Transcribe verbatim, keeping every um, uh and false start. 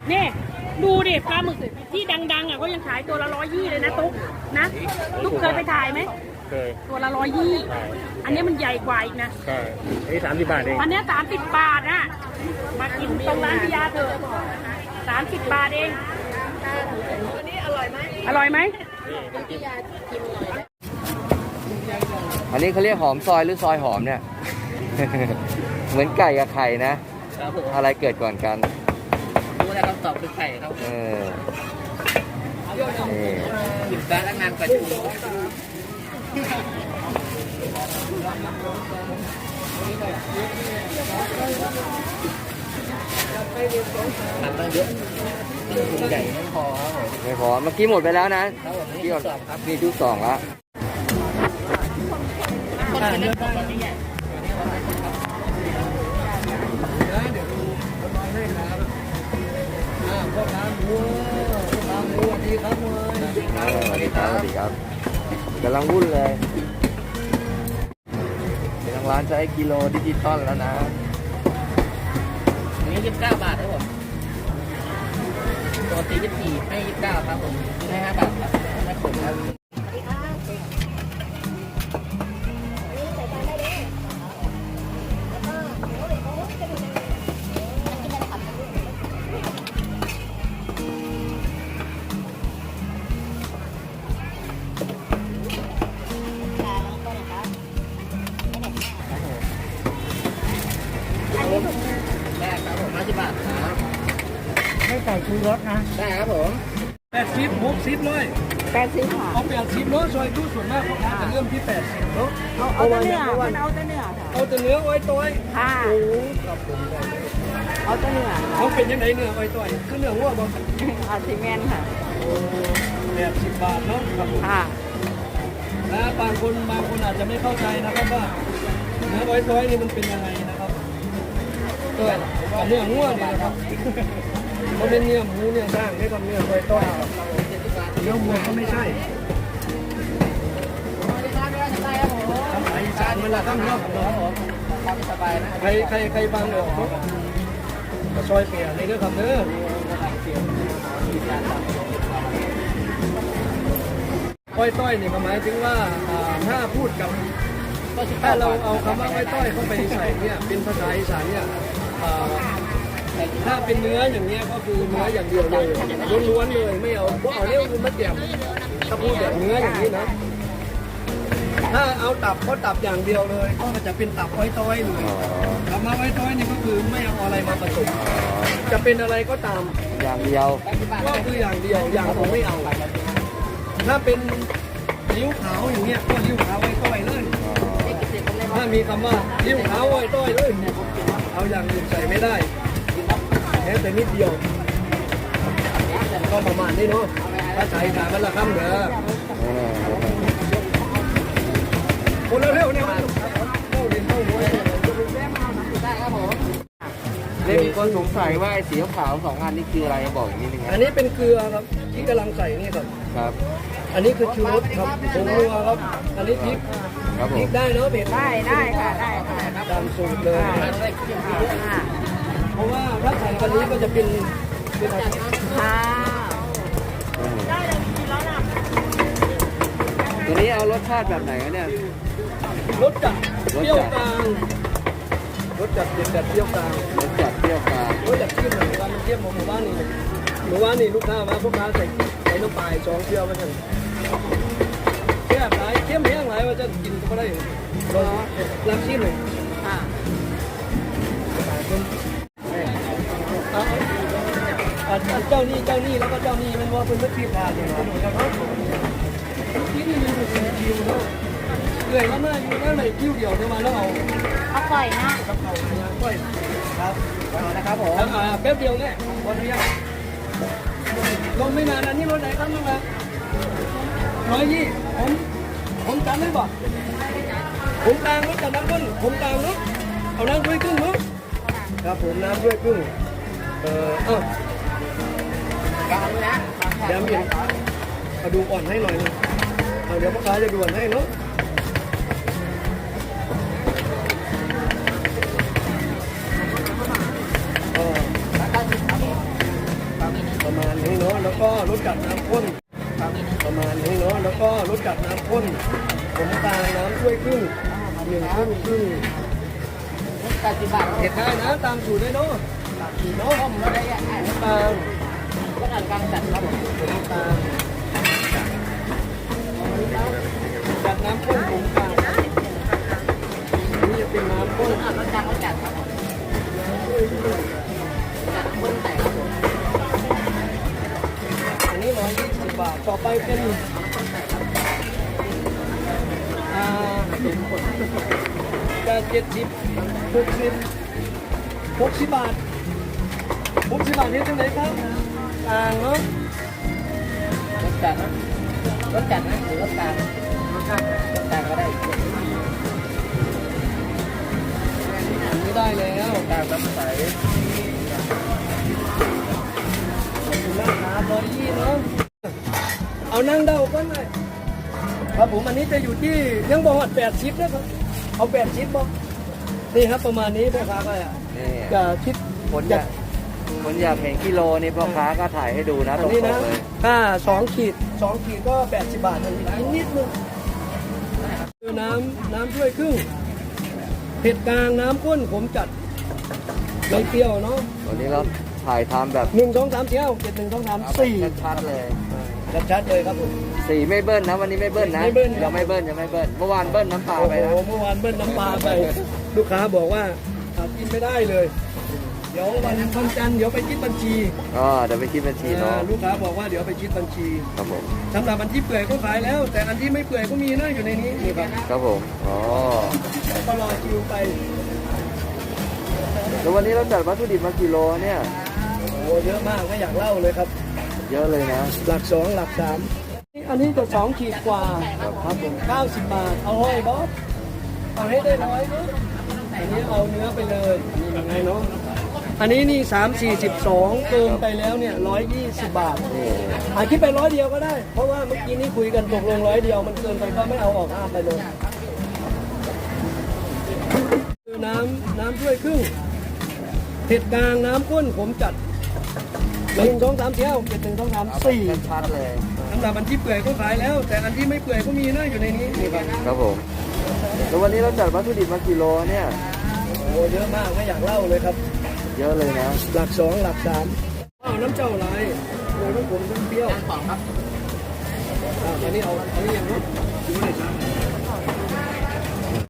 นี่ดูดิปลาหมึกที่ดังๆอ่ะเขายังขายตัวละร้อยยี่เลยนะตุ๊กนะตุ๊กเคยไปถ่ายไหมเคยตัวละร้อยยี่อันนี้มันใหญ่กว่าอีกนะใช่อันนี้สามสิบบาทเองอันนี้สามสิบบาทนะมากินตรงร้านพิยาเถอะสามสิบบาทเองอันนี้อร่อยไหมอร่อยไหมอันนี้เขาเรียกหอมซอยหรือซอยหอมเนี่ย เหมือนไก่กับไข่นะอะไรเกิดก่อนกันรู้แล้วคำตอบคือไข่ครับเออนี่หยิบได้แล้วงานกว่าจะรู้ทำมาเยอะใหญ่ไม่พอครับผมไม่พอเมื่อกี้หมดไปแล้วนะที่ก่อนมีชุดสองแล้วพ่อค้าหมูพ่อค้าหมูสวัสดีครับมวยสวัสดีครับสวัสดีครับกำลังวุ่นเลยทางร้านใช้กิโลดิจิตอลแล้วนะอันนี้ยี่สิบเก้าบาทครับผมตัวตียี่สิบสี่ให้ยี่สิบเก้าครับผมให้ห้าบาทครับไม่ขมครับได้ครับผมห้าสิบบาทครับให้ใส่ชูรสนะได้ครับผมแปดสิบหกสิบเลยแปดสิบค่ะเอาแปดสิบเนาะซอยตู้ส่วนมากของร้านจะเริ่มที่แปดสิบเนาะเอาเอาแต่เนื้อมันเอาแต่เนื้อค่ะเอาแต่เนื้อไว้ต้อยค่ะโอ้ครับผมเอาแต่เนื้อเขาเป็นยังไงเนื้อไว้ต้อยคือเนื้อวัวบ่อาซิเมนค่ะโอ้แปดสิบบาทเนาะครับผมค่ะนะบางคนบางคนอาจจะไม่เข้าใจนะครับว่าเนื้อไว้ต้อยนี่มันเป็นยังไงนะครับก็เนื้องัวนี่นะครับเขาเป็นเนื้อหมูเนื้อสร้างไม่กับเนื้อไว้ต้อยเนื้อหมูก็ไม่ใช่ทำไมสารมันละตั้งเนาะสบายนะใครใครใครบางออกก็ซอยเปียในเรื่องคำเนื้ออ้อยต้อยนี่หมายถึงว่าถ้าพูดกับถ้าเราเอาคำว่าอ้อยต้อยเข้าไปใส่เนี่ยเป็นภาษาอีสานเนี่ยถ้าเป็นเนื้ออย่างเงี้ยก็คือเนื้ออย่างเดียวเลยล้วนๆเลยไม่เอาพวกเอาเรียกว่ามะเดี่ยมถ้าพูดแบบเนื้ออย่างนี้นะถ้าเอาตับก็ตับอย่างเดียวเลยก็จะเป็นตับอ้อยต้อยเลยตับมาอ้อยต้อยนี่ก็คือไม่เอาอะไรมาผสมจะเป็นอะไรก็ตามอย่างเดียวก็คืออย่างเดียวอย่างผมไม่เอาถ้าเป็นลิ้วขาวอย่างเงี้ยก็ลิ้วขาวอ้อยต้อยเลยถ้ามีคำว่าลิ้วขาวอ้อยต้อยเลยเอาอย่างอื่นใส่ไม่ได้แค่แต่นิดเดียวก็ประมาณนี้เนาะถ้าใส่ขามันละคำเด้อคนเร็วๆเนี่ยมันเข้าดินเข้าหัวได้ครับผมเล่มีคนสงสัยว่าไอ้สีขาวสองอันนี้คืออะไรบอกอย่างนี้นึงอันนี้เป็นเกลือครับที่กำลังใส่นี่ครับครับอันนี้คือชูรสครับผงนัวครับอันนี้พริกพริกได้เนาะเผ็ดได้ได้ค่ะได้ค่ะตามสูตรเลยเพราะว่าถ้าใส่กันนี้ก็จะเป็นเป็นอะไรค่ะได้เลยกินแล้วนะตัวนี้เอารสชาติแบบไหนเนี่ยรสจัดเปรี้ยวกลางรสจัดเด็ดจัดเปรี้ยวกลางรสจัดเปรี้ยวกลางรสจัดเค็มหนึ่งวันเค็มของหมู่บ้านนี่หมู่บ้านนี่ลูกค้ามาพวกค้าใส่ใส่น้ำปลาสองเปรี้ยวมาจังแค่ไหนเข้มแห้งไหนว่าจะกินก็ได้รสลำชิมเลยค่ะเจ้านี่เจ้านี่แล้วก็เจ้านี่มันว่าเป็นวัตถุดิบเนี่ยนะครับที่นี่มันเป็นคิวเนาะเลยแล้วมาอยู่นั่นไหนคิวเดียวเดี๋ยวมาแล้วเอาเอาปล่อยนะกับเอาปล่อยครับนะครับผมอ่าแป๊บเดียวเนี่ยวันนี้ลงไม่นานอันนี้รถไหนครับน้องนะร้อยยี่ผมผมจำได้บ่ผมกลางรถกับน้ำขึ้นผมกลางรถเอาน้ำด้วยครึ่งมั้งครับผมน้ำด้วยครึ่งเออเออกลางเลยนะเดี๋ยวมีเอาดูอ่อนให้หน่อยนึงเดี๋ยวพ่อค้าจะด่วนให้เนาะเออประมาณนี้เนาะแล้วก็รสจัดน้ำข้นครับประมาณนี้เนาะแล้วก็รสจัดน้ำข้นผมตาลน้ำถ้วยครึ่งหนึ่งครึ่งครึ่งแปดสิบบาทเผ็ดได้นะตามสูตรได้เนาะตามสูตรเนาะต้มก็ได้อ่ะน้ำตาลก็ทานกลางจัดครับผมน้ำตาลจัดน้ำข้นผมกลางอันนี้จะเป็นน้ำข้นอ่ะรสจัดรสจัดครับผมจัดคนใส่ครับผมอันนี้ร้อยยี่สิบบาทต่อไปเป็นอ่าจะเจ็ดสิบหกสิบหกสิบบาทหกสิบบาทนี่เท่าไหร่ครับอ่างเนาะรสจัดนะรสจัดนะหรือรสกลางรสกลางรสกลางก็ได้อันนี้ได้แล้วกลางน้ำใสขอบคุณมากครับร้อยยี่เนาะเอานั่งเดาก้อนหน่อยครับผมอันนี้จะอยู่ที่ยังบอกว่าแปดชิปนะครับเอาแปดชิปบอกนี่ครับประมาณนี้พ่อค้าก็นี่จะคิดคนอยากคนอยากเห็นกิโลนี่พ่อค้าก็ถ่ายให้ดูนะอัตรนนี้นะงๆเลยถ้าสองขีดสองขีดก็แปดสิบบาททันทีนิดนึงคือน้ำน้ำถ้วยครึ่งเผ็ดกลางน้ำข้นผมจัดไม่เปรี้ยวเนาะวันนี้เราถ่ายทำแบบหนึ่งสองสามสี่ห้าเจ็ดหนึ่งสองสามสี่ชัดๆเลยชัดๆเลยครับผมสีไม่เบิ้ลนะวันนี้ไม่เบิ้ลนะไม่เบิ้ลยังไม่เบิ้ลยังไม่เบิ้ลเมื่อวานเบิ้ลน้ำปลาโอ้ไปโหนะเมื่อวานเบิ้ลน้ำปลาไป ลูกค้าบอกว่าอ่ะกินไม่ได้เลย เดี๋ยววันวันจันทร์เดี๋ยวไปคิดบัญชีอ๋อเดี๋ยวไปคิดบัญชีเนาะอ่าลูกค้าบอกว่าเดี๋ยวไปคิดบัญชีครับผมสำหรับอันที่เปื่อยก็ขายแล้ว แต่อันที่ไม่เปื่อยก็มีนะอยู่ในนี้นี่ครับครับผมอ๋อก็รอคิวไปแล้ววันนี้เราจัดวัตถุดิบมากี่โลเนี่ยโอ้เยอะมากไม่อยากเล่าเลยครับเยอะเลยนะหลักสองหลักสามอันนี้จะสองขีดกว่าครับผมเก้าสิบบาทเอาห้อยบอสเอาให้ได้ร้อยเนาะอันนี้เอาเนื้อไปเลยนี่ยังไงเนาะอันนี้นี่สามสี่สิบสองเกินไปแล้วเนี่ยร้อยยี่สิบบาทนี่อาคิดไปร้อยเดียวก็ได้ เพราะว่าเมื่อกี้นี้คุยกันตกลงร้อยเดียวมันเกินไปก็ไม่เอาออกห้ามไปเลยคือน้ำน้ำถ้วยครึ่งเผ็ดกลางน้ำข้นผมจัดหนึ่งสองสามสี่ห้าเจ็ดหนึ่งสองสามสี่ชัดๆเลยสำหรับอันที่เปื่อยก็ขายแล้ว แต่อันที่ไม่เปื่อยก็มีนะอยู่ในนี้นี่ครับครับผมแล้ววันนี้เราจัดวัตถุดิบมากี่โลเนี่ยโอ้เยอะมากไม่อยากเล่าเลยครับเยอะเลยนะหลักสองหลักสามอ้าวน้ำเจ้าอะไรโอ้น้ำผมน้ำเปรี้ยวสองครับอ่าอันนี้เอาอันนี้ยังเนาะดูหน่อยครับ